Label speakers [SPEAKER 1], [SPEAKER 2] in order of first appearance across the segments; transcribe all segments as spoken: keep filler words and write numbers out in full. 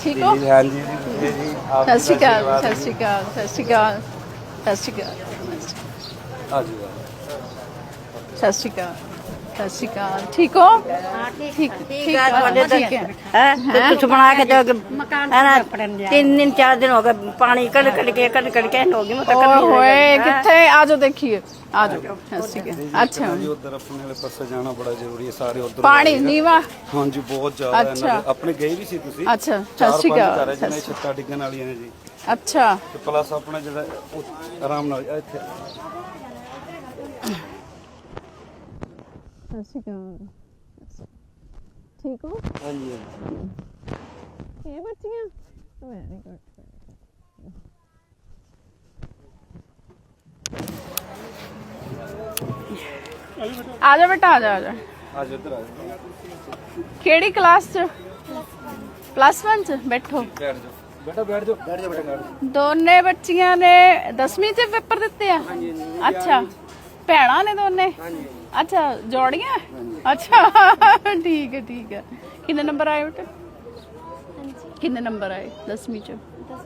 [SPEAKER 1] ठीक हो?
[SPEAKER 2] हाँ जी जी जी आप
[SPEAKER 1] सत श्री अकाल सत श्री अकाल सत श्री अकाल सत श्री अकाल
[SPEAKER 2] हाँ जी
[SPEAKER 1] सत श्री अकाल सत श्री अकाल ठीक हो? ठीक ठीक है
[SPEAKER 3] ਤੁਹਾਡੇ ਤਾਂ
[SPEAKER 1] ठीक है
[SPEAKER 3] ਹੈ ਕੁਝ ਬਣਾ ਕੇ ਦਿਓ ਹੈ ਨਾ ਤਿੰਨ ਦਿਨ ਚਾਰ ਦਿਨ ਹੋ ਗਏ ਪਾਣੀ ਕੱਢ ਕੱਢ ਕੇ ਕੱਢ ਕੱਢ ਕੇ ਹੋ ਗਈ ਮੈਂ ਤਾਂ
[SPEAKER 1] ओए
[SPEAKER 3] ਕੱਢ
[SPEAKER 1] होए कितने आ जाओ देखिए आ जाओ सत श्री अकाल अच्छा
[SPEAKER 2] जी उधर अपने वाले पासे जाना बड़ा जरूरी है सारे उधर
[SPEAKER 1] पानी नीवा
[SPEAKER 2] हाँ जी बहुत ज्यादा है
[SPEAKER 1] अच्छा।
[SPEAKER 2] ना अपने गए भी सी ਤੁਸੀਂ
[SPEAKER 1] अच्छा
[SPEAKER 2] ਚਾਰ
[SPEAKER 1] सत श्री
[SPEAKER 2] ਪੰਜ
[SPEAKER 1] अकाल
[SPEAKER 2] ਘਰ ਹੈ ਜਿਹਨਾਂ ਦੀ ਛੱਤਾਂ ਡਿੱਗਣ ਵਾਲੀਆਂ ਨੇ ਜੀ
[SPEAKER 1] अच्छा
[SPEAKER 2] ਤੇ ਪਲੱਸ ਆਪਣਾ ਜਿਹੜਾ ਉਹ ਆਰਾਮ ਨਾਲ ਇੱਥੇ
[SPEAKER 1] सत श्री अकाल ठीक हो?
[SPEAKER 2] हाँ जी
[SPEAKER 1] ये बच्चियां वेरी गुड आ जा बेटा आ जा आ जा
[SPEAKER 2] आज उधर आ जाओ
[SPEAKER 1] केड़ी क्लास च प्लस वन च बैठो
[SPEAKER 2] बैठ जाओ बेटा बैठ जाओ बैठ जाओ बेटा बैठ जाओ
[SPEAKER 1] ਦੋਨੇ ਬੱਚੀਆਂ ਨੇ ਦਸਵੀਂ ਚ ਪੇਪਰ ਦਿੱਤੇ ਆ ਅੱਛਾ ਭੈਣਾਂ ਨੇ ਦੋਨੇ ਅੱਛਾ ਜੋੜੀਆਂ ਅੱਛਾ ਠੀਕ ਹੈ ਠੀਕ ਹੈ ਕਿੰਨੇ ਨੰਬਰ ਆਏ ਬੇਟਾ ਕਿੰਨੇ ਨੰਬਰ ਆਏ ਦਸਵੀਂ ਚ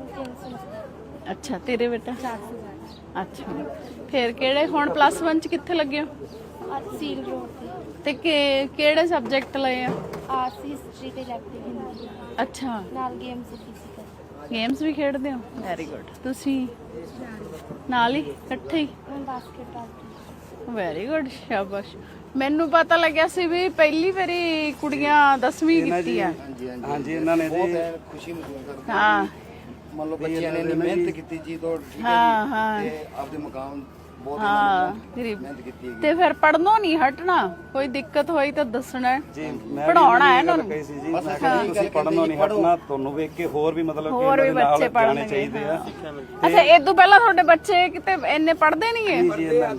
[SPEAKER 1] ਅੱਛਾ ਤੇਰੇ ਬੇਟਾ ਅੱਛਾ ਫਿਰ ਕਿਹੜੇ ਹੁਣ ਪਲੱਸ वन ਚ ਕਿੱਥੇ ਲੱਗੇ ਹੋ
[SPEAKER 4] ਸੀਲ ਰੋਡ
[SPEAKER 1] ਤੇ ਕਿ- ਕਿਹੜੇ ਸਬਜੈਕਟ ਲਏ ਆ
[SPEAKER 4] ਆਰਟਸ ਹਿਸਟਰੀ ਤੇ ਇਲੈਕਟਿਵ ਹਿੰਦੀ ਅੱਛਾ ਨਾਲ ਗੇਮਸ ਫਿਜ਼ੀਕਲ
[SPEAKER 1] ਗੇਮਸ ਵੀ ਖੇਡਦੇ ਹੋ ਵੈਰੀ ਗੁੱਡ ਤੁਸੀਂ ਨਾਲ ਹੀ ਇਕੱਠੇ ਹੀ
[SPEAKER 4] ਮੈਂ ਬਾਸਕਟਬਾਲ
[SPEAKER 1] ਵੈਰੀ ਗੁੱਡ ਸ਼ਾਬਾਸ਼ ਮੈਨੂੰ ਪਤਾ ਲੱਗਿਆ ਸੀ ਵੀ ਪਹਿਲੀ ਵਾਰੀ ਕੁੜੀਆਂ ਦਸਵੀਂ ਕੀਤੀ ਆ
[SPEAKER 2] हाँ जी इन्होंने जी
[SPEAKER 5] ਖੁਸ਼ੀ ਮਹਿਸੂਸ ਕਰਦੇ
[SPEAKER 1] ਹਾਂ
[SPEAKER 5] ਮੰਨ ਲਓ ਬੱਚਿਆਂ ਨੇ ਇੰਨੀ ਮਿਹਨਤ ਕੀਤੀ ਜੀ ਤੋਂ ਠੀਕ ਹੈ
[SPEAKER 1] ਹਾਂ ਹਾਂ
[SPEAKER 5] ਜੀ ਤੇ ਆਪਦੇ ਮਕਾਮ ਬਹੁਤ
[SPEAKER 1] ਹਾਂ ਗਰੀਬ
[SPEAKER 5] ਮਿਹਨਤ ਕੀਤੀ
[SPEAKER 1] ਤੇ ਫਿਰ ਪੜਨੋਂ ਨਹੀਂ ਹਟਣਾ ਕੋਈ ਦਿੱਕਤ ਹੋਈ ਤਾਂ ਦੱਸਣਾ ਹੈ।
[SPEAKER 2] ਜੀ ਮੈਂ
[SPEAKER 1] ਪੜਾਉਣਾ ਹੈ ਇਹਨਾਂ ਨੂੰ
[SPEAKER 2] ਕਹੀ ਸੀ ਜੀ ਮੈਂ ਕਿਹਾ ਜੀ ਤੁਸੀਂ ਪੜਨੋਂ ਨਹੀਂ ਹਟਣਾ ਤੁਹਾਨੂੰ ਵੇਖ ਕੇ ਹੋਰ ਵੀ ਮਤਲਬ ਕਿ
[SPEAKER 1] ਹੋਰ ਵੀ
[SPEAKER 2] ਇਹਨਾਂ ਦੇ ਨਾਲ
[SPEAKER 1] ਬੱਚੇ
[SPEAKER 2] ਜਾਣੇ
[SPEAKER 1] ਪੜ੍ਹਨਗੇ,
[SPEAKER 2] ਚਾਹੀਦੇ ਆ
[SPEAKER 1] ਅੱਛਾ ਇਹ ਤੋਂ ਪਹਿਲਾਂ ਤੁਹਾਡੇ ਬੱਚੇ ਕਿਤੇ ਇੰਨੇ ਪੜਦੇ ਨਹੀਂ ਹੈ
[SPEAKER 2] ਜੀ ਇਹਨਾਂ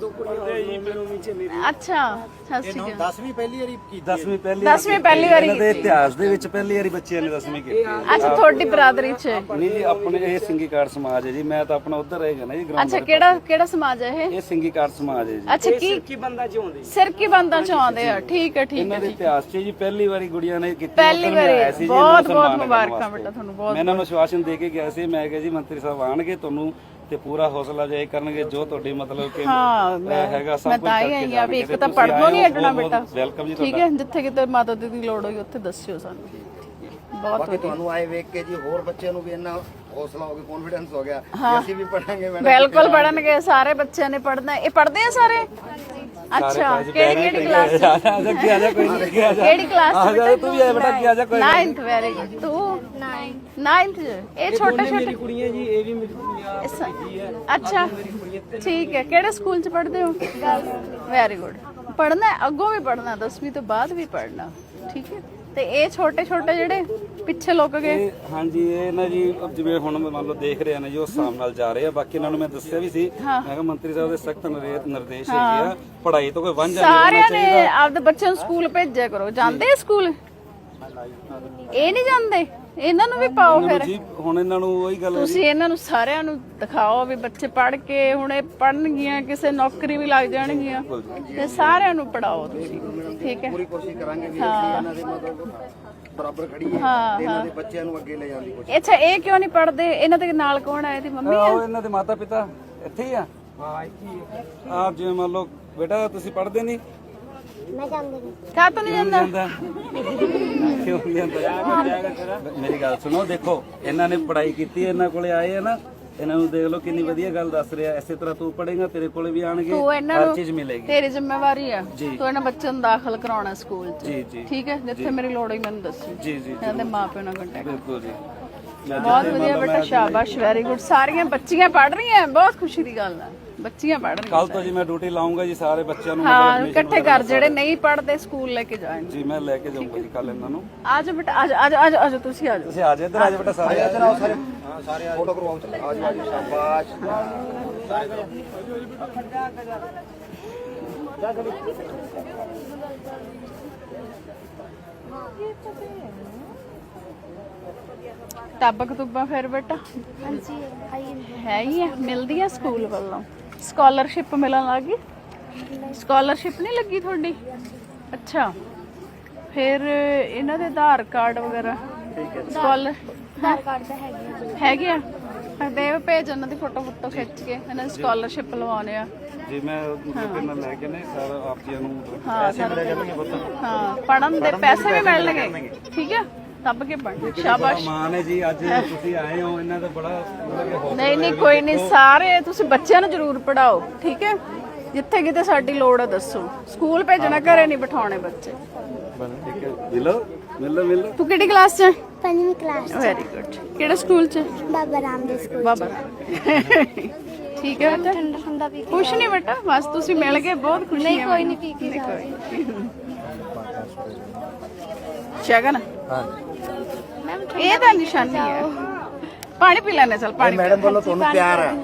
[SPEAKER 1] ਅੱਛਾ ਸਤਿ ਸ਼੍ਰੀ ਅਕਾਲ
[SPEAKER 5] ਦਸਵੀਂ ਪਹਿਲੀ ਵਾਰੀ ਕੀਤੀ
[SPEAKER 2] ਦਸਵੀਂ ਪਹਿਲੀ
[SPEAKER 1] ਦਸਵੀਂ ਪਹਿਲੀ ਵਾਰੀ
[SPEAKER 2] ਇਹਨਾਂ ਦੇ ਇਤਿਹਾਸ ਦੇ ਵਿੱਚ ਪਹਿਲੀ ਵਾਰੀ ਬੱਚਿਆਂ ਨੇ ਦਸਵੀਂ ਕੀਤੀ
[SPEAKER 1] ਅੱਛਾ ਤੁਹਾਡੀ ਬਰਾਦਰੀ ਚ
[SPEAKER 2] ਨਹੀਂ ਜੀ ਆਪਣੇ ਇਹ ਸਿੰਘੀ ਕਾਰ ਸਮਾਜ ਹੈ ਜੀ ਮੈਂ ਤਾਂ ਆਪਣਾ ਉਧਰ ਰਹੇਗਾ ਨਾ ਜੀ ਗਰਾਊਂਡ
[SPEAKER 1] ਅੱਛਾ ਕਿਹੜਾ ਕਿਹੜਾ ਸਮਾਜ ਹੈ ਇਹ
[SPEAKER 2] ਇਹ ਸਿੰਘੀ ਕਾਰ ਸਮਾਜ ਹੈ ਜੀ
[SPEAKER 1] ਅੱਛਾ ਕੀ ਕੀ ਬੰਦਾ ਚ ਆਉਂਦੇ ਸਿਰ ਕੀ ਬੰਦਾ ਚ ਆਉਂਦੇ ਆ ਠੀਕ ਹੈ ਠੀਕ
[SPEAKER 2] ਇਹਨਾਂ
[SPEAKER 1] ਹੈ
[SPEAKER 2] ਦੇ ਇਤਿਹਾਸ 'ਚ ਜੀ ਪਹਿਲੀ ਵਾਰੀ ਗੁੜੀਆਂ ਨੇ ਕੀਤੀ
[SPEAKER 1] ਪਹਿਲੀ
[SPEAKER 2] ਉੱਧਰ ਮੈਂ ਆਇਆ
[SPEAKER 1] ਵਾਰੀ
[SPEAKER 2] ਸੀ ਜੀ, ਇਹਨਾਂ ਨੂੰ
[SPEAKER 1] ਬਹੁਤ ਬਹੁਤ
[SPEAKER 2] ਸਨਮਾਨ ਕਰਨ
[SPEAKER 1] ਮੁਬਾਰਕਾਂ
[SPEAKER 2] ਵਾਸਤੇ।
[SPEAKER 1] ਬੇਟਾ ਤੁਹਾਨੂੰ ਬਹੁਤ
[SPEAKER 2] ਮੈਂ ਇਹਨਾਂ ਨੂੰ ਆਸ਼ਵਾਸਨ ਦੇ ਕੇ ਗਿਆ ਸੀ ਮੈਂ ਕਿਹਾ ਜੀ ਮੰਤਰੀ ਸਾਹਿਬ ਆਣਗੇ ਤੁਹਾਨੂੰ ਤੇ ਪੂਰਾ ਹੌਸਲਾ ਜਾਇ ਕਰਨਗੇ ਜੋ ਤੁਹਾਡੀ ਮਤਲਬ ਕਿ
[SPEAKER 1] ਹਾਂ
[SPEAKER 2] ਅਹ,
[SPEAKER 1] ਮੈਂ
[SPEAKER 2] ਹੈਗਾ ਸਭ
[SPEAKER 1] ਮੈਂ
[SPEAKER 2] ਕੁਝ
[SPEAKER 1] ਤਾਂ ਹੀ
[SPEAKER 2] ਕਰਕੇ
[SPEAKER 1] ਆਈ ਆ ਵੀ ਇੱਕ
[SPEAKER 2] ਜਾਣਗੇ।
[SPEAKER 1] ਤਾਂ
[SPEAKER 2] ਤੁਸੀਂ
[SPEAKER 1] ਪੜਨੋਂ ਨਹੀਂ
[SPEAKER 2] ਆਏ ਹੋ,
[SPEAKER 1] ਹਟਣਾ
[SPEAKER 2] ਬਹੁਤ-
[SPEAKER 1] ਬੇਟਾ
[SPEAKER 2] ਬਹੁਤ ਵੈਲਕਮ ਜੀ
[SPEAKER 1] ਠੀਕ
[SPEAKER 2] ਤੁਹਾਡਾ
[SPEAKER 1] ਹੈ ਜਿੱਥੇ ਕਿਤੇ ਮਾਤਾ ਦੀ ਦੀ ਲੋੜ ਹੋਈ ਉੱਥੇ ਦੱਸਿਓ ਸਾਨੂੰ ਬਹੁਤ
[SPEAKER 5] ਬਾਕੀ
[SPEAKER 1] ਵਧੀਆ
[SPEAKER 5] ਤੁਹਾਨੂੰ ਆਏ ਵੇਖ ਕੇ ਜੀ ਹੋਰ ਬੱਚਿਆਂ ਨੂੰ ਵੀ ਇੰਨਾ ਹੌਸਲਾ ਹੋ ਗਿਆ ਕੌਨਫੀਡੈਂਸ ਹੋ ਗਿਆ ਕਿ ਅਸੀਂ ਵੀ ਪੜਾਂਗੇ ਮੈਡਮ
[SPEAKER 1] ਬਿਲਕੁਲ ਪੜਨਗੇ ਸਾਰੇ ਬੱਚਿਆਂ ਨੇ ਪੜਨਾ ਇਹ ਪੜਦੇ ਆ ਸਾਰੇ ਅੱਛਾ ਕਿਹੜੀ ਕਿਹੜੀ ਕਲਾਸ ਚ
[SPEAKER 2] ਆ ਜਾ ਕੀ ਆ ਜਾ ਕੋਈ ਨਹੀਂ ਕੀ ਆ ਜਾ
[SPEAKER 1] ਕਿਹੜੀ ਕਲਾਸ
[SPEAKER 2] ਆ ਜਾ ਤੂੰ ਵੀ ਆ ਬੇਟਾ ਕੀ ਆ ਜਾ ਕੋਈ
[SPEAKER 1] ninth ਵੈਰੀ ਗੁੱਡ ਤੂੰ
[SPEAKER 4] ਨਾਈਨਥ
[SPEAKER 1] ninth ਚ ਇਹ ਛੋਟੇ ਛੋਟੇ
[SPEAKER 6] ਕੁੜੀਆਂ ਜੀ ਇਹ ਵੀ ਮੇਰੀ ਕੁੜੀਆਂ
[SPEAKER 1] ਇਸ- ਅੱਛਾ ਠੀਕ ਹੈ ਕਿਹੜੇ ਸਕੂਲ ਚ ਪੜ੍ਹਦੇ ਹੋ ਵੈਰੀ ਗੁੱਡ ਪੜਨਾ ਅੱਗੋਂ ਵੀ ਪੜਨਾ ਦਸਵੀਂ ਤੋਂ ਬਾਅਦ ਵੀ ਪੜਨਾ ਠੀਕ ਹੈ ਤੇ ਇਹ ਛੋਟੇ ਛੋਟੇ ਜਿਹੜੇ ਪਿੱਛੇ ਲੁੱਕ ਗਏ
[SPEAKER 2] ਇਹ ਹਾਂਜੀ ਇਹ ਨਾ ਜੀ ਜਿਵੇਂ ਹੁਣ ਮੰਨ ਲਓ ਦੇਖ ਰਹੇ ਨੇ ਜੀ ਉਸ ਹਿਸਾਬ ਨਾਲ ਜਾ ਰਹੇ ਆ ਬਾਕੀ ਇਹਨਾਂ ਨੂੰ ਮੈਂ ਦੱਸਿਆ ਵੀ ਸੀ ਮੈਂ ਕਿਹਾ ਮੰਤਰੀ ਸਾਹਿਬ ਦੇ ਸਖਤ ਨਿਰਦੇਸ਼ ਹੈਗੇ ਆ ਪੜ੍ਹਾਈ ਤੋਂ ਕੋਈ ਵਾਂਝਾ ਨਹੀਂ ਰਹਿਣਾ
[SPEAKER 1] ਸਾਰਿਆਂ ਨੇ
[SPEAKER 2] ਚਾਹੀਦਾ
[SPEAKER 1] ਆਪਦੇ ਬੱਚਿਆਂ ਨੂੰ ਸਕੂਲ ਭੇਜਿਆ ਕਰੋ ਜਾਂਦੇ ਆ ਸਕੂਲ ਇਹ ਨਹੀਂ ਜਾਂਦੇ ਇਹਨਾਂ ਨੂੰ ਵੀ ਪਾਓ ਫਿਰ
[SPEAKER 2] ਜੀ ਹੁਣ ਇਹਨਾਂ ਨੂੰ ਉਹੀ ਗੱਲ ਹੈ ਜੀ
[SPEAKER 1] ਤੁਸੀਂ ਇਹਨਾਂ ਨੂੰ ਸਾਰਿਆਂ ਨੂੰ ਦਿਖਾਓ ਵੀ ਬੱਚੇ ਪੜ੍ਹ ਕੇ ਹੁਣ ਇਹ ਪੜਨਗੀਆਂ ਕਿਸੇ ਨੌਕਰੀ ਵੀ ਲੱਗ ਜਾਣਗੀਆਂ ਤੇ ਸਾਰਿਆਂ ਨੂੰ ਪੜਾਓ ਤੁਸੀਂ ਠੀਕ ਹੈ
[SPEAKER 5] ਪੂਰੀ ਕੋਸ਼ਿਸ਼ ਕਰਾਂਗੇ ਵੀ ਅਸੀਂ ਇਹਨਾਂ ਦੇ ਮਤਲਬ ਬਰਾਬਰ ਖੜੀਏ ਤੇ ਇਹਨਾਂ ਦੇ ਬੱਚਿਆਂ ਨੂੰ ਅੱਗੇ ਲੈ ਜਾਣ ਦੀ ਕੋਸ਼ਿਸ਼
[SPEAKER 1] ਅੱਛਾ ਇਹ ਕਿਉਂ ਨਹੀਂ ਪੜਦੇ ਇਹਨਾਂ ਦੇ ਨਾਲ ਕੌਣ ਆ ਇਹਦੀ ਮੰਮੀ ਆ
[SPEAKER 2] ਆਹੋ ਇਹਨਾਂ ਦੇ ਮਾਤਾ ਪਿਤਾ ਇੱਥੇ ਹੀ ਆ ਹਾਂ ਇੱਥੇ ਹੀ ਆਪ ਜਿਵੇਂ ਮੰਨ ਲਓ ਬੇਟਾ ਤੁਸੀਂ ਪੜ੍ਹਦੇ ਨਹੀਂ
[SPEAKER 1] ਕਾ ਤੋਂ ਨਹੀਂ ਜਾਂਦਾ
[SPEAKER 2] ਜਾਂਦਾ ਕਿਉਂ ਨਹੀਂ ਜਾਂਦਾ ਮੇਰੀ ਗੱਲ ਸੁਣੋ ਦੇਖੋ ਇਹਨਾਂ ਨੇ ਪੜ੍ਹਾਈ ਕੀਤੀ ਹੈ ਇਹਨਾਂ ਕੋਲੇ ਆਏ ਆ ਨਾ ਇਹਨਾਂ ਨੂੰ ਦੇਖ ਲਓ ਕਿੰਨੀ ਵਧੀਆ ਗੱਲ ਦੱਸ ਰਿਹਾ ਇਸੇ ਤਰ੍ਹਾਂ ਤੂੰ ਪੜ੍ਹੇਗਾ ਤੇਰੇ ਕੋਲੇ ਵੀ ਆਣਗੇ
[SPEAKER 1] ਤੂੰ ਇਹਨਾਂ
[SPEAKER 2] ਹਰ
[SPEAKER 1] ਨੂੰ
[SPEAKER 2] ਚੀਜ਼ ਮਿਲੇਗੀ
[SPEAKER 1] ਤੇਰੀ ਜ਼ਿੰਮੇਵਾਰੀ ਆ ਤੂੰ ਇਹਨਾਂ ਬੱਚਿਆਂ ਨੂੰ ਦਾਖਲ ਕਰਾਉਣਾ ਸਕੂਲ 'ਚ
[SPEAKER 2] ਜੀ ਜੀ
[SPEAKER 1] ਠੀਕ ਹੈ ਜਿੱਥੇ ਮੇਰੀ ਲੋੜ ਹੋਈ ਮੈਨੂੰ ਦੱਸੀ
[SPEAKER 2] ਜੀ ਜੀ
[SPEAKER 1] ਇਹਨਾਂ ਦੇ ਮਾਪਿਆਂ ਨਾਲ ਕੰਟੈਕਟ
[SPEAKER 2] ਬਿਲਕੁਲ ਜੀ ਮੈਂ
[SPEAKER 1] ਬਹੁਤ ਵਧੀਆ ਬੇਟਾ ਸ਼ਾਬਾਸ਼ ਵੈਰੀ ਗੁੱਡ ਸਾਰੀਆਂ ਬੱਚੀਆਂ ਪੜ੍ਹ ਰਹੀਆਂ ਬਹੁਤ ਖੁਸ਼ੀ ਦੀ ਗੱਲ ਆ ਬੱਚੀਆਂ ਪੜ੍ਹ ਰਹੀਆਂ
[SPEAKER 2] ਕੱਲ ਤੋਂ ਜੀ ਮੈਂ ਡਿਊਟੀ ਲਾਉਂਗਾ ਜੀ ਸਾਰੇ ਬੱਚਿਆਂ ਨੂੰ
[SPEAKER 1] ਹਾਂ ਇਕੱਠੇ ਕਰ ਜਿਹੜੇ ਨਹੀਂ ਪੜ੍ਹਦੇ ਸਕੂਲ ਲੈ ਕੇ ਜਾਣ
[SPEAKER 2] ਜੀ ਮੈਂ ਲੈ ਕੇ ਜਾਊਂਗਾ ਜੀ ਕੱਲ ਇਹਨਾਂ ਨੂੰ
[SPEAKER 1] ਆ ਜਾਓ ਬੇਟਾ ਆ ਜਾਓ ਆ ਜਾਓ, ਆ ਜਾਓ ਆ ਜਾਓ ਤੁਸੀਂ ਆ ਜਾਓ
[SPEAKER 2] ਤੁਸੀਂ ਆ ਜਾਓ ਇੱਧਰ ਆ ਜਾਓ ਬੇਟਾ ਸਾਰੇ
[SPEAKER 5] ਇੱਧਰ ਆਓ ਸਾਰੇ ਹਾਂ ਸਾਰੇ ਫੋਟੋ ਕਰਵਾਓ ਚਲੋ ਆ ਜਾਓ ਸ਼ਾਬਾਸ਼
[SPEAKER 1] ਕਿਤਾਬਾਂ ਕਤੂਬਾਂ ਫਿਰ ਬੇਟਾ
[SPEAKER 4] ਹਾਂਜੀ ਆਈ
[SPEAKER 1] ਹੈ ਹੀ ਆ ਮਿਲਦੀਆਂ ਸਕੂਲ ਵੱਲੋਂ ਸਕਾਲਰਸ਼ਿਪ ਮਿਲਣ ਲੱਗੀ ਸਕਾਲਰਸ਼ਿਪ ਨਹੀਂ ਲੱਗੀ ਤੁਹਾਡੀ ਅੱਛਾ ਫਿਰ ਇਹਨਾਂ ਦੇ ਆਧਾਰ ਕਾਰਡ ਵਗੈਰਾ ਸਕਾਲਰ
[SPEAKER 4] ਆਧਾਰ ਕਾਰਡ ਤਾਂ ਹੈਗੇ ਆ।
[SPEAKER 1] ਹੈਗੇ ਆ ਦੇ ਭੇਜ ਉਹਨਾਂ ਦੀ ਫੋਟੋ ਫੋਟੋ ਖਿੱਚ ਕੇ ਇਹਨਾਂ ਦੀ ਸਕਾਲਰਸ਼ਿਪ ਲਵਾਉਣੇ ਆ।
[SPEAKER 2] ਜੀ ਮੈਂ ਉਹਦੇ ਨਾਲ ਲੈ ਕੇ ਨੇ ਸਰ ਆਪ ਜੀ ਨੂੰ
[SPEAKER 1] ਹਾਂ
[SPEAKER 2] ਪੈਸੇ ਮਿਲੇ ਜਾਣਗੇ ਪੁੱਤ।
[SPEAKER 1] ਹਾਂ ਪੜਨ ਦੇ ਪੈਸੇ ਵੀ ਮਿਲਣਗੇ। ਠੀਕ ਆ ਦੱਬ ਕੇ ਪੜ੍ਹ ਸ਼ਾਬਾਸ਼।
[SPEAKER 2] ਮਾਨ ਹੈ ਜੀ ਅੱਜ ਤੁਸੀਂ ਆਏ ਹੋ ਇਹਨਾਂ ਦਾ ਬੜਾ ਮਤਲਬ ਕਿ ਹੌਸਲਾ
[SPEAKER 1] ਨਹੀਂ ਨਹੀਂ ਕੋਈ ਨਹੀਂ ਸਾਰੇ ਤੁਸੀਂ ਬੱਚਿਆਂ ਨੂੰ ਜ਼ਰੂਰ ਪੜਾਓ। ਠੀਕ ਹੈ ਜਿੱਥੇ ਕਿਤੇ ਸਾਡੀ ਲੋੜ ਹੈ ਦੱਸੋ। ਸਕੂਲ ਭੇਜਣਾ ਘਰੇ ਨਹੀਂ ਬਿਠਾਉਣੇ ਬੱਚੇ।
[SPEAKER 2] ਠੀਕ ਹੈ ਮਿਲੋ ਮਿਲੋ ਮਿਲੋ।
[SPEAKER 1] ਤੂੰ ਕਿਹੜੀ ਕਲਾਸ 'ਚ?
[SPEAKER 4] ਪੰਜਵੀਂ ਕਲਾਸ
[SPEAKER 1] ਵੈਰੀ ਗੁੱਡ। ਕਿਹੜੇ ਸਕੂਲ 'ਚ?
[SPEAKER 4] ਬਾਬਾ ਰਾਮਦੇਵ ਸਕੂਲ।
[SPEAKER 1] ਬਾਬਾ ਠੀਕ ਹੈ ਬੇਟਾ।
[SPEAKER 4] ਠੰਡਾ ਠੰਡਾ ਪੀ ਕੇ
[SPEAKER 1] ਕੁਛ ਨਹੀਂ ਬੇਟਾ ਬਸ ਤੁਸੀਂ ਮਿਲ ਗਏ ਬਹੁਤ ਖੁਸ਼ੀ ਹੈ।
[SPEAKER 4] ਨਹੀਂ ਕੋਈ ਨਹੀਂ ਪੀ ਕੇ ਜਾਓ।
[SPEAKER 1] ਸ਼ਗਨ
[SPEAKER 4] ਮੈਮ
[SPEAKER 1] ਇਹ ਤਾਂ ਨਿਸ਼ਾਨੀ ਹੈ। ਪਾਣੀ ਪੀ ਲੈਣੇ ਚਲ ਪਾਣੀ।
[SPEAKER 5] ਮੈਡਮ ਵੱਲੋਂ ਤੁਹਾਨੂੰ ਪਿਆਰ ਹੈ।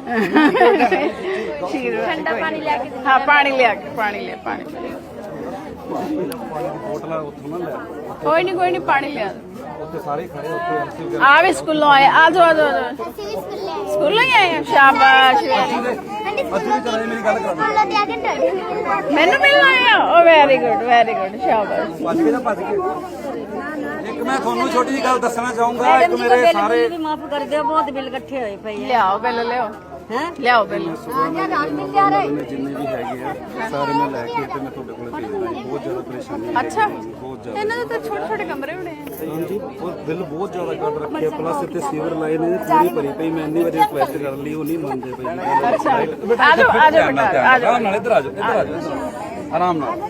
[SPEAKER 1] ਠੰਡਾ ਪਾਣੀ ਲਿਆ ਕੇ ਹਾਂ ਪਾਣੀ ਲਿਆ ਕੇ ਪਾਣੀ ਲਿਆ ਪਾਣੀ ਪੀ।
[SPEAKER 2] ਬੋਤਲਾਂ ਉੱਥੋਂ ਨਾ ਲੈ
[SPEAKER 1] ਕੋਈ ਨਹੀਂ ਕੋਈ ਨਹੀਂ ਪਾਣੀ ਲਿਆ।
[SPEAKER 2] ਉੱਥੇ ਸਾਰੇ ਖੜੇ ਉੱਥੇ ਐਮਸੀ ਵਗੈਰਾ
[SPEAKER 1] ਆ ਵੀ ਸਕੂਲੋਂ ਆਏ ਆ ਜਾਓ ਆ ਜਾਓ ਆ ਜਾਓ। ਸਕੂਲੋਂ ਹੀ ਆਏ ਆ ਸ਼ਾਬਾਸ਼।
[SPEAKER 2] ਅੱਜ ਵੀ ਚਲਾਏ ਮੇਰੀ ਗੱਲ ਕਰਾ
[SPEAKER 4] ਸਕੂਲੋਂ ਦੇ ਆ ਕੇ ਡਰ
[SPEAKER 1] ਮੈਨੂੰ ਮਿਲਣ ਆਏ ਆ ਉਹ ਵੈਰੀ ਗੁੱਡ ਵੈਰੀ ਗੁੱਡ ਸ਼ਾਬਾਸ਼।
[SPEAKER 2] ਭੱਜ ਕੇ ਜਾਂ ਭੱਜ ਕੇ ਇੱਕ ਮੈਂ ਤੁਹਾਨੂੰ ਛੋਟੀ ਜਿਹੀ ਗੱਲ ਦੱਸਣਾ ਚਾਹੂੰਗਾ। ਇੱਕ ਮੇਰੇ ਸਾਰੇ
[SPEAKER 3] ਮਾਫ ਕਰ ਦਿਓ ਬਹੁਤ ਬਿੱਲ ਇਕੱਠੇ ਹੋਏ ਪਏ
[SPEAKER 1] ਲਿਆਓ ਬਿੱਲ ਲਿਆਓ
[SPEAKER 3] ਹੈ
[SPEAKER 1] ਲਿਆਓ ਬਿੱਲ।
[SPEAKER 2] ਜਿੰਨੇ ਵੀ ਹੈਗੇ ਆ ਸਾਰੇ ਮੈਂ ਲੈ ਕੇ ਤੇ ਮੈਂ ਤੁਹਾਡੇ ਕੋਲ ਭੇਜਦਾ ਜੀ। ਬਹੁਤ ਜ਼ਿਆਦਾ ਪਰੇਸ਼ਾਨੀ ਹੈ
[SPEAKER 1] ਅੱਛਾ
[SPEAKER 2] ਬਹੁਤ ਜ਼ਿਆਦਾ।
[SPEAKER 1] ਇਹਨਾਂ ਦੇ ਤਾਂ ਛੋਟੇ ਛੋਟੇ ਕਮਰੇ ਹੋਣੇ ਆ।
[SPEAKER 2] ਹਾਂਜੀ ਉਹ ਬਿੱਲ ਬਹੁਤ ਜ਼ਿਆਦਾ ਕੱਢ ਰੱਖਿਆ ਪਲੱਸ ਇੱਥੇ ਸੀਵਰ ਲਾਏ ਨੇ ਪੂਰੀ ਭਰੀ ਪਈ। ਮੈਂ ਇੰਨੀ ਵਾਰੀ ਰਿਕੁਐਸਟ ਕਰ ਲਈ ਉਹ ਨਹੀਂ ਮੰਨਦੇ ਪਏ।
[SPEAKER 1] ਅੱਛਾ ਆ ਜਾਓ ਆ ਜਾਓ ਬੇਟਾ ਆ ਜਾਓ।
[SPEAKER 2] ਆਰਾਮ ਨਾਲ ਇੱਧਰ ਆ ਜਾਓ ਇੱਧਰ ਆ ਜਾਓ ਆਰਾਮ ਨਾਲ।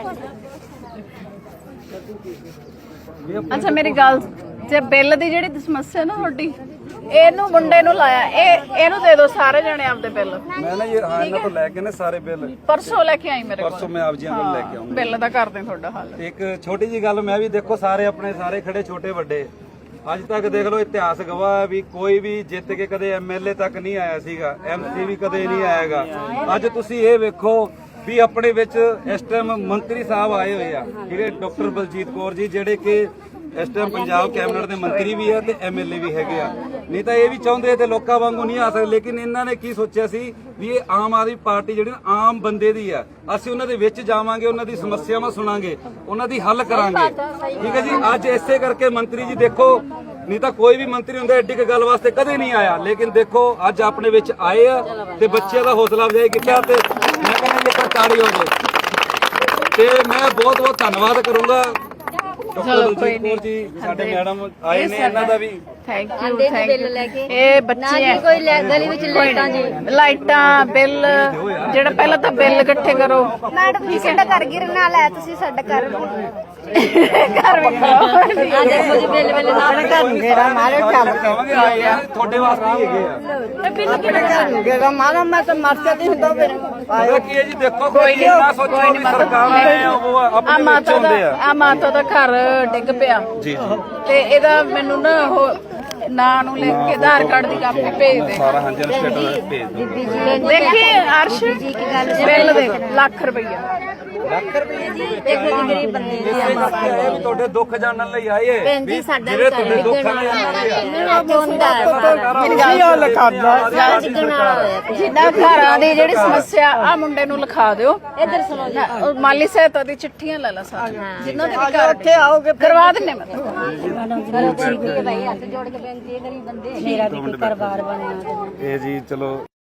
[SPEAKER 1] ਅੱਛਾ ਮੇਰੀ ਗੱਲ ਜੇ ਬਿੱਲ ਦੀ ਜਿਹੜੀ ਸਮੱਸਿਆ ਨਾ ਤੁਹਾਡੀ ਇਹਨੂੰ ਮੁੰਡੇ ਨੂੰ ਲਾਇਆ ਇਹ ਇਹਨੂੰ ਦੇ ਦਿਓ ਸਾਰੇ ਜਣੇ ਆਪਦੇ ਬਿੱਲ।
[SPEAKER 2] ਮੈਂ ਨਾ ਇਹ ਹਾਂ ਇਹਨਾਂ ਤੋਂ ਲੈ ਕੇ ਨੇ ਸਾਰੇ ਬਿੱਲ
[SPEAKER 1] ਪਰਸੋਂ ਲੈ ਕੇ ਆਈ ਮੇਰੇ ਕੋਲ।
[SPEAKER 2] ਪਰਸੋਂ ਮੈਂ ਆਪ ਜੀਆਂ ਕੋਲ ਲੈ ਕੇ ਆਉਂਗਾ।
[SPEAKER 1] ਬਿੱਲ ਦਾ ਕਰਦੇ ਤੁਹਾਡਾ ਹੱਲ।
[SPEAKER 2] ਇੱਕ ਛੋਟੀ ਜੀ ਗੱਲ ਮੈਂ ਵੀ ਦੇਖੋ ਸਾਰੇ ਆਪਣੇ ਸਾਰੇ ਖੜੇ ਛੋਟੇ ਵੱਡੇ ਅੱਜ ਤੱਕ ਦੇਖ ਲਓ ਇਤਿਹਾਸ ਗਵਾਹ ਹੈ ਵੀ ਕੋਈ ਵੀ ਜਿੱਤ ਕੇ ਕਦੇ ਐਮਐਲਏ ਤੱਕ ਨਹੀਂ ਆਇਆ ਸੀਗਾ। ਐਮਸੀ ਵੀ ਕਦੇ ਨਹੀਂ ਆਏਗਾ। ਅੱਜ ਤੁਸੀਂ ਇਹ ਵੇਖੋ ਵੀ ਆਪਣੇ ਵਿੱਚ ਇਸ ਟਾਈਮ ਮੰਤਰੀ ਸਾਹਿਬ ਆਏ ਹੋਏ ਆ ਜਿਹੜੇ ਡਾਕਟਰ ਬਲਜੀਤ ਕੌਰ ਜੀ ਜਿਹੜੇ ਕਿ ਇਸ ਟਾਈਮ ਪੰਜਾਬ ਕੈਬਨਿਟ ਦੇ ਮੰਤਰੀ ਵੀ ਆ ਤੇ ਐਮਐਲਏ ਵੀ ਹੈਗੇ ਆ। ਨਹੀਂ ਤਾਂ ਇਹ ਵੀ ਚਾਹੁੰਦੇ ਤੇ ਲੋਕਾਂ ਵਾਂਗੂ ਨਹੀਂ ਆ ਸਕਦੇ। ਲੇਕਿਨ ਇਹਨਾਂ ਨੇ ਕੀ ਸੋਚਿਆ ਸੀ ਵੀ ਇਹ ਆਮ ਆਦਮੀ ਪਾਰਟੀ ਜਿਹੜੀ ਆਮ ਬੰਦੇ ਦੀ ਆ। ਅਸੀਂ ਉਹਨਾਂ ਦੇ ਵਿੱਚ ਜਾਵਾਂਗੇ ਉਹਨਾਂ ਦੀ ਸਮੱਸਿਆਵਾਂ ਸੁਣਾਂਗੇ ਉਹਨਾਂ ਦੀ ਹੱਲ ਕਰਾਂਗੇ। ਠੀਕ ਹੈ ਜੀ। ਅੱਜ ਇਸੇ ਕਰਕੇ ਮੰਤਰੀ ਜੀ ਦੇਖੋ ਨਹੀਂ ਤਾਂ ਕੋਈ ਵੀ ਮੰਤਰੀ ਹੁੰਦਾ ਐਡੀ ਕੁ ਗੱਲ ਵਾਸਤੇ ਕਦੇ ਨਹੀਂ ਆਇਆ। ਲੇਕਿਨ ਦੇਖੋ ਅੱਜ ਆਪਣੇ ਵਿੱਚ ਆਏ ਆ ਤੇ ਬੱਚਿਆਂ ਦਾ ਹੌਸਲਾ ਅਫਜ਼ਾਈ ਕੀਤਾ ਤੇ ਮੈਂ ਕਹਿੰਦਾ ਜੀ ਇੱਕ ਤਾੜੀ ਹੋ ਜਾਏ। ਤੇ ਮੈਂ ਬਹੁਤ ਬਹੁਤ ਧੰਨਵਾਦ ਕਰੂੰਗਾ ਡਾਕਟਰ ਬਲਜੀਤ ਕੌਰ ਜੀ ਸਾਡੇ ਮੈਡਮ ਆਏ ਨੇ ਇਹਨਾਂ ਦਾ ਵੀ
[SPEAKER 1] ਥੈਂਕ ਯੂ ਥੈਂਕ ਯੂ। ਇਹ ਬੱਚੇ ਹੈ ਕੋਈ ਗਲੀ ਵਿੱਚ ਲਾਈਟਾਂ ਜੀ ਲਾਈਟਾਂ ਬਿੱਲ ਜਿਹੜਾ ਪਹਿਲਾਂ ਤਾਂ ਬਿੱਲ ਇਕੱਠੇ ਕਰੋ।
[SPEAKER 4] ਮੈਡਮ ਜੀ ਸਾਡਾ ਘਰ ਗਿਰਨ ਵਾਲਾ ਹੈ ਤੁਸੀਂ ਸਾਡਾ ਘਰ
[SPEAKER 1] ਘਰ ਵੀ ਕਰੋ।
[SPEAKER 3] ਆ ਦੇਖੋ ਜੀ ਬਿੱਲ ਬਿੱਲ ਨਾਲ ਘਰ ਨੂੰ ਘੇਰਾ ਮਾਰੇ ਚੱਲ
[SPEAKER 2] ਕਹਾਂਗੇ ਆ ਯਾਰ ਤੁਹਾਡੇ ਵਾਸਤੇ ਹੀ ਹੈਗੇ ਆ।
[SPEAKER 3] ਘਰ ਨੂੰ ਘੇਰਾ ਮਾਰਾ ਮੈਂ ਤਾਂ ਮਰ ਜਾਂਦੀ ਹੁੰਦਾ ਫਿਰ।
[SPEAKER 2] ਪਤਾ ਕੀ ਹੈ ਜੀ ਦੇਖੋ ਕੋਈ ਨਾ ਸੋਚੋ ਵੀ ਸਰਕਾਰ ਆਏ ਆ ਉਹ
[SPEAKER 1] ਆ
[SPEAKER 2] ਆਪਣੇ ਵਿੱਚ
[SPEAKER 1] ਮਾਤਾ ਦਾ
[SPEAKER 2] ਹੁੰਦੇ ਆ।
[SPEAKER 1] ਆ ਮਾਤਾ ਦਾ ਘਰ ਡਿੱਗ ਪਿਆ
[SPEAKER 2] ਜੀ ਜੀ
[SPEAKER 1] ਤੇ ਇਹਦਾ ਮੈਨੂੰ ਨਾ ਉਹ ਨਾਂ ਨੂੰ ਲਿਖ ਕੇ ਆਧਾਰ ਕਾਰਡ ਦੀ ਕਾਪੀ ਭੇਜ ਦੇ।
[SPEAKER 2] ਸਾਰਾ ਹਾਂਜੀ ਸਟੇਟਸ ਭੇਜ ਦਿਓ।
[SPEAKER 1] ਦੇਖੀ ਅਰਸ਼ ਬਿੱਲ ਦੇ ਲੱਖ ਰੁਪਈਆ।
[SPEAKER 2] ਲੱਖ ਰੁਪਏ ਜੀ
[SPEAKER 3] ਦੇਖੋ ਜੀ ਗਰੀਬ ਬੰਦੇ
[SPEAKER 2] ਇਸੇ ਕਰਕੇ ਆਏ ਵੀ ਤੁਹਾਡੇ ਦੁੱਖ ਜਾਣਨ ਲਈ ਆਏ ਵੀ ਜਿਹੜੇ ਤੁਹਾਡੇ ਦੁੱਖ ਨਾਲ ਆਏ ਆ।
[SPEAKER 1] ਜਿੱਦਾਂ ਘਰਾਂ ਦੀ ਜਿਹੜੀ ਸਮੱਸਿਆ ਆ ਮੁੰਡੇ ਨੂੰ ਲਿਖਾ ਦਿਓ। ਇਧਰ ਸੁਣੋ ਮਾਲੀ ਸਹਾਇਤਾ ਦੀ ਚਿੱਠੀਆਂ ਲੈ ਲਾ ਸਾਰੀਆਂ ਜਿਨ੍ਹਾਂ ਦੇ ਵੀ ਘਰ ਉੱਥੇ ਆਓਗੇ ਕਰਵਾ ਦਿੰਨੇ ਮੈਂ
[SPEAKER 3] ਭਾਈ ਹੱਥ ਜੋੜ ਕੇ ਬੇਨਤੀ ਹੈ ਗਰੀਬ ਬੰਦੇ ਮੇਰਾ ਵੀ ਕੋਈ ਘਰ-ਬਾਰ ਬਣਿਆ।
[SPEAKER 2] ਇਹ ਜੀ ਚਲੋ